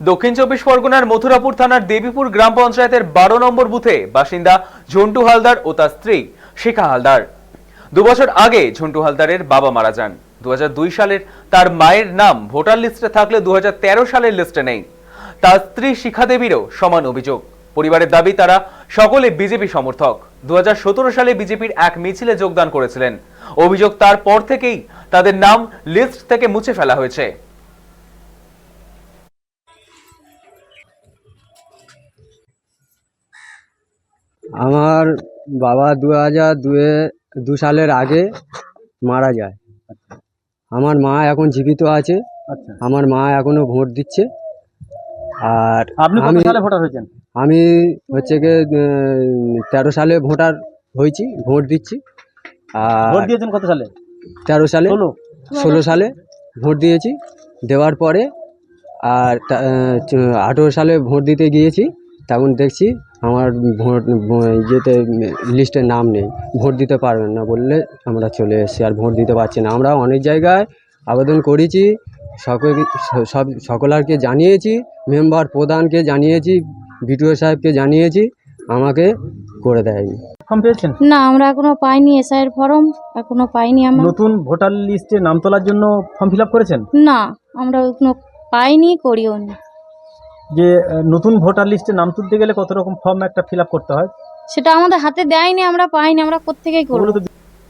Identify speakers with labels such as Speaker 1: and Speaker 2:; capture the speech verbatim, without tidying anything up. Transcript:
Speaker 1: দক্ষিণ চব্বিশ পরগনার মথুরাপুর থানার দেবীপুর গ্রাম পঞ্চায়েতের বারো নম্বর বুথে বাসিন্দা ঝন্টু হালদার ও তার স্ত্রী শিখা হালদার। দুবছর আগে ঝন্টু হালদারের বাবা মারা যান। দু হাজার দুই সালের তার মায়ের নাম ভোটার লিস্টে থাকলে দু হাজার তেরো সালের লিস্টে নেই। তার স্ত্রী শিখা দেবীরও সমান অভিযোগ। পরিবারের দাবি তারা সকলে বিজেপি সমর্থক। দু হাজার সতেরো সালে বিজেপির এক মিছিলে যোগদান করেছিলেন। অভিযোগ তারপর থেকেই তাদের নাম লিস্ট থেকে মুছে ফেলা হয়েছে।
Speaker 2: আমার বাবা দু হাজার দুয়ে দু সালের আগে মারা যায়। আমার মা এখন জীবিত আছে।
Speaker 3: আচ্ছা,
Speaker 2: আমার মা এখনো ভোট দিচ্ছে। আর
Speaker 3: আপনি কত
Speaker 2: আমি
Speaker 3: সালে ভোটার হয়েছেন?
Speaker 2: আমি হচ্ছে গিয়ে তেরো সালে ভোটার হয়েছি, ভোট দিচ্ছি।
Speaker 3: ভোট
Speaker 2: আর
Speaker 3: দিয়েছেন কত সালে?
Speaker 2: তেরো সালে
Speaker 3: ষোলো।
Speaker 2: ষোলো সালে ভোট দিয়েছি। দেওয়ার পরে আর আঠেরো সালে ভোট দিতে গিয়েছি, তখন দেখছি আমার ভোট ইয়েতে লিস্টে নাম নেই, ভোট দিতে পারবেন না বললে আমরা চলে এসেছি, আর ভোট দিতে পারছি না। আমরা অনেক জায়গায় আবেদন করেছি, সকল সব সকলকে জানিয়েছি, মেম্বার প্রধানকে জানিয়েছি, বিডিও সাহেবকে জানিয়েছি, আমাকে করে দেয়নি।
Speaker 3: ফর্ম পেয়েছেন?
Speaker 4: না, আমরা এখনো পাইনি এসআইয়ের ফর্ম, এখনো পাইনি আমরা।
Speaker 3: নতুন ভোটার লিস্টে নাম তোলার জন্য ফর্ম ফিল আপ করেছেন?
Speaker 4: না, আমরা এখনো পাইনি, করিও নি।
Speaker 3: যে আহ, নতুন ভোটার লিস্টে নাম তুলতে গেলে কত রকম ফর্ম একটা ফিল আপ করতে হয়?
Speaker 4: সেটা আমাদের হাতে দেয়নি, আমরা পাইনি, আমরা কোত্থেকেই করবো।
Speaker 3: ওগুলো তো